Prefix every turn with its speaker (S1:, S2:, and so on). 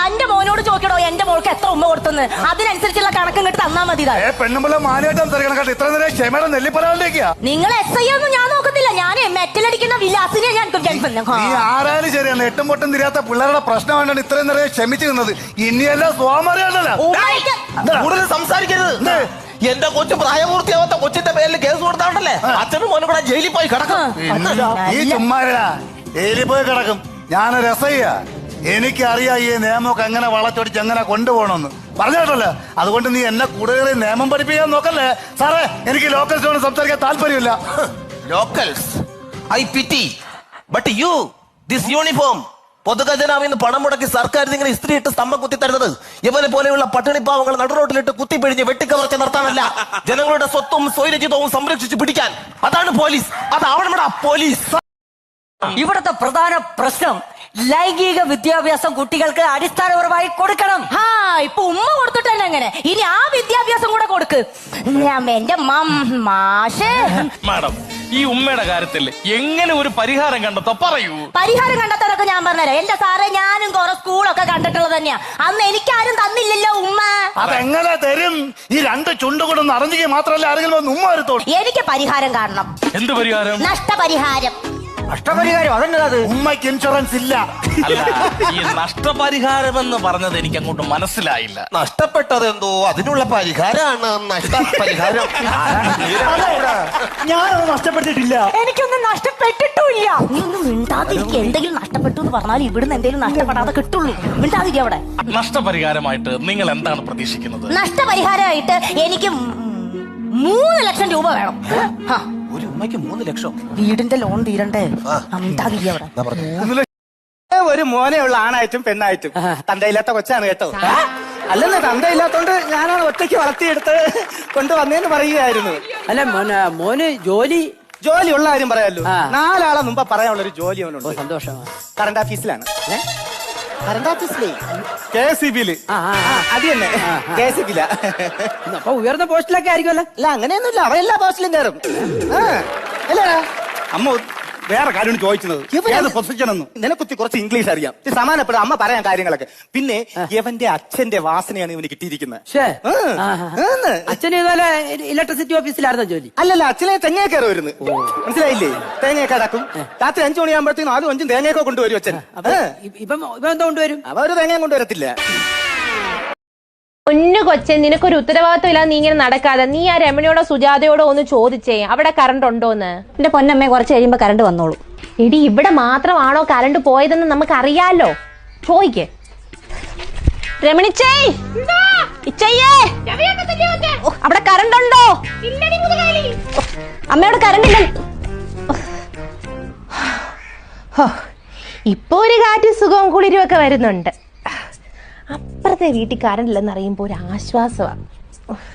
S1: തന്റെ മോനോട് ചോദിക്കടോ എന്റെ മോൾക്ക് എത്ര ഉമ്മ കൊടുത്തെന്ന്. അതിനനുസരിച്ചുള്ള കണക്ക് ഇങ്ങോട്ട് തന്നാ മതി.
S2: പെണ്ണുമ്പളെ മാനായിട്ട് സംസാരിക്കണം. ഇത്ര നേരം ക്ഷമയുടെ നെല്ലിപ്പരാളിലേക്കാ.
S1: നിങ്ങൾ SI ഒന്നും ഞാൻ നോക്കത്തില്ല. ഞാൻ മെറ്റലടിക്കുന്ന വിലാസിനെ ഞാൻ
S2: നീ ആരായാലും ശരിയാണ്. എട്ടും പൊട്ടും തിരിയാത്ത പിള്ളേരുടെ പ്രശ്നമായിട്ടാണ് ഇത്രയും നേരം ക്ഷമിച്ചു നിന്നത്. ഇനിയല്ല സ്വാമറിയാണല്ലോ.
S3: കൂടുതൽ സംസാരിക്കരുത്. എന്റെ കൊച്ചു പ്രായപൂർത്തിയാവാത്ത കൊച്ചിന്റെ പേരിൽ കേസ് കൊടുത്താണ്ടല്ലേ അച്ഛനും മോനും കൂടെ ജയിലിൽ പോയി കിടക്കും.
S2: ഈ ചുമ്മാരാ ജയിലിൽ പോയി കിടക്കും. ഞാനൊരു SI-യാ. എനിക്കറിയാം ഈ നിയമമൊക്കെ എങ്ങനെ വളച്ചൊടിച്ച് എങ്ങനെ കൊണ്ടുപോകണമെന്ന് പറഞ്ഞിട്ടല്ലോ. അതുകൊണ്ട് നീ എന്നെ കൂടുതൽ നിയമം പഠിപ്പിക്കാൻ നോക്കല്ലേ സാറേ. എനിക്ക് ലോക്കൽസിനോട് സംസാരിക്കാൻ താല്പര്യമില്ല.
S3: Locals I pity but you this uniform പൊതുഖജനാവിന്ന് പണം മുടക്കി സർക്കാർ നിങ്ങൾ ഇസ്ത്രീ ഇട്ട് സ്തംഭം കുത്തി തരുന്നത് ഇവനെ പോലെയുള്ള പട്ടിണിപ്പാവങ്ങൾ നടുറോട്ടിലിട്ട് കുത്തിപ്പിഴിഞ്ഞ് വെട്ടിക്കവർച്ച നടത്താനല്ല, ജനങ്ങളുടെ സ്വത്തും സ്വൈരചിതവും സംരക്ഷിച്ച് പിടിക്കാൻ. അതാണ് പോലീസ്. അതാവണമടാ പോലീസ്.
S4: ഇവിടുത്തെ പ്രധാന പ്രശ്നം ലൈംഗിക വിദ്യാഭ്യാസം കുട്ടികൾക്ക് അടിസ്ഥാനപരമായി കൊടുക്കണം.
S1: ഇപ്പൊ ഉമ്മ കൊടുത്തിട്ട് തന്നെ എങ്ങനെ? ഇനി ആ വിദ്യാഭ്യാസം കൂടെ കൊടുക്ക്. എന്റെ മാഷേ.
S5: മാഡം, ഈ ഉമ്മയുടെ കാര്യത്തിൽ എങ്ങനെ ഒരു പരിഹാരം കണ്ടെത്തോ പറയൂ.
S1: പരിഹാരം കണ്ടെത്താനൊക്കെ ഞാൻ പറഞ്ഞുതരാം. എന്റെ സാറേ, ഞാനും കുറെ സ്കൂളൊക്കെ കണ്ടിട്ടുള്ളത് തന്നെയാ. അന്ന് എനിക്കാരും തന്നില്ലല്ലോ ഉമ്മ.
S2: അതെങ്ങനെ തരും? ഈ രണ്ട് ചുണ്ടുകൊണ്ടൊന്ന് അറിഞ്ഞെങ്കിൽ മാത്രമല്ല ആരെങ്കിലും ഉമ്മ വരുത്തോളൂ.
S1: എനിക്ക് പരിഹാരം കാണണം.
S5: എന്ത് പരിഹാരം?
S1: നഷ്ടപരിഹാരം.
S4: നഷ്ടപരിഹാരം അതെന്നത്?
S2: ഉമ്മയ്ക്ക് ഇൻഷുറൻസ് ഇല്ല.
S5: അല്ല, ഈ നഷ്ടപരിഹാരം എന്ന് പറഞ്ഞത് എനിക്ക് അങ്ങോട്ട് മനസ്സിലായില്ല.
S3: നഷ്ടപ്പെട്ടത് എന്തോ അതിനുള്ള പരിഹാരമാണ് നഷ്ടപരിഹാരം.
S4: ഞാനൊന്നും നഷ്ടപ്പെട്ടിട്ടില്ല.
S1: എനിക്കൊന്നും നഷ്ടപ്പെട്ടിട്ടില്ല. നീ ഒന്നും മിണ്ടാതിരിക്കുക. എന്തെങ്കിലും നഷ്ടപ്പെട്ടു എന്ന് പറഞ്ഞാൽ ഇവിടുന്ന് എന്തെങ്കിലും നഷ്ടപ്പെടാതെ കിട്ടുള്ളൂ. മിണ്ടാതിരിക്കുക അവിടെ.
S5: നഷ്ടപരിഹാരമായിട്ട് നിങ്ങൾ എന്താണ് പ്രതീക്ഷിക്കുന്നത്?
S1: നഷ്ടപരിഹാരമായിട്ട് എനിക്ക് 3 ലക്ഷം രൂപ വേണം.
S3: ഒരു ഉമ്മയ്ക്ക് 3 ലക്ഷം?
S1: വീടിന്റെ ലോൺ തീരണ്ടേ? മിണ്ടാതിരിക്കുക അവിടെ.
S6: ഒരു മോനെ ഉള്ള ആണായിട്ടും പെണ്ണായിട്ടും തന്തയില്ലാത്ത കൊച്ചാണ് കേട്ടോ. അല്ലെന്ന് തന്തയില്ലാത്തോണ്ട് ഞാനാണ് ഒറ്റയ്ക്ക് വളർത്തിയെടുത്ത് കൊണ്ടുവന്നേന്ന് പറയുകയായിരുന്നു.
S4: അല്ല മോന് ജോലി
S6: ഉള്ള കാര്യം പറയാമല്ലോ. 4 ആളെ മുമ്പ് പറയാനുള്ള ഒരു ജോലി അവനുണ്ട്.
S4: സന്തോഷമാണ്.
S6: കറണ്ട് ഓഫീസിലാണ്. കറണ്ട് ഓഫീസിലേ KSEB-ല്. അത് തന്നെ KSEB-ല.
S4: അപ്പൊ ഉയർന്ന പോസ്റ്റിലൊക്കെ ആയിരിക്കുമല്ലോ.
S6: അല്ല അങ്ങനെയൊന്നുമില്ല. അവ എല്ലാ പോസ്റ്റിലും കയറും. അല്ലേടാ
S2: അമ്മ വേറെ കാര്യം ചോദിച്ചത്
S6: നിനക്കുത്തി കുറച്ച് ഇംഗ്ലീഷ് അറിയാം. സമാനപ്പെടും അമ്മ പറയാൻ കാര്യങ്ങളൊക്കെ. പിന്നെ ഇവന്റെ അച്ഛന്റെ വാസനയാണ് ഇവന് കിട്ടിയിരിക്കുന്നത്.
S4: അച്ഛന് ഇതുപോലെ ഇലക്ട്രിസിറ്റി ഓഫീസിലായിരുന്നോ ജോലി?
S6: അല്ലല്ല, അച്ഛനെ തേങ്ങ കയറി വരുന്നു. മനസ്സിലായില്ലേ? തേങ്ങയൊക്കെ അടക്കും. രാത്രി 5 മണിയാകുമ്പോഴത്തേക്കും 4 5 തേങ്ങയൊക്കെ കൊണ്ടുവരും അച്ഛൻ.
S4: ഇപ്പൊ എന്തോ കൊണ്ടുവരും?
S6: അവ ഒരു തേങ്ങയും കൊണ്ടുവരത്തില്ല.
S7: ഒന്നു കൊച്ചൻ, നിനക്കൊരു ഉത്തരവാദിത്വം ഇല്ലാതെ നീ ഇങ്ങനെ നടക്കാതെ നീ ആ രമണിയോടോ സുജാതയോടോ ഒന്ന് ചോദിച്ചേ അവിടെ കറണ്ട് ഉണ്ടോന്ന്.
S1: എന്റെ പൊന്നമ്മ, കുറച്ച് കഴിയുമ്പോ കറണ്ട് വന്നോളൂ.
S7: എടി, ഇവിടെ മാത്രമാണോ കറണ്ട് പോയതെന്ന് നമുക്ക് അറിയാലോ. ചോദിക്കേ രമണിച്ചേ, അവിടെ കറണ്ട് ഉണ്ടോ? അമ്മയോട് കറണ്ട് ഇല്ല. ഇപ്പൊ ഒരു കാറ്റ് സുഖവും കുളിരും ഒക്കെ വരുന്നുണ്ട്. അപ്പുറത്തെ വീട്ടിൽ കറണ്ട് ഇല്ലെന്ന് അറിയുമ്പോ ഒരു ആശ്വാസമാണ്.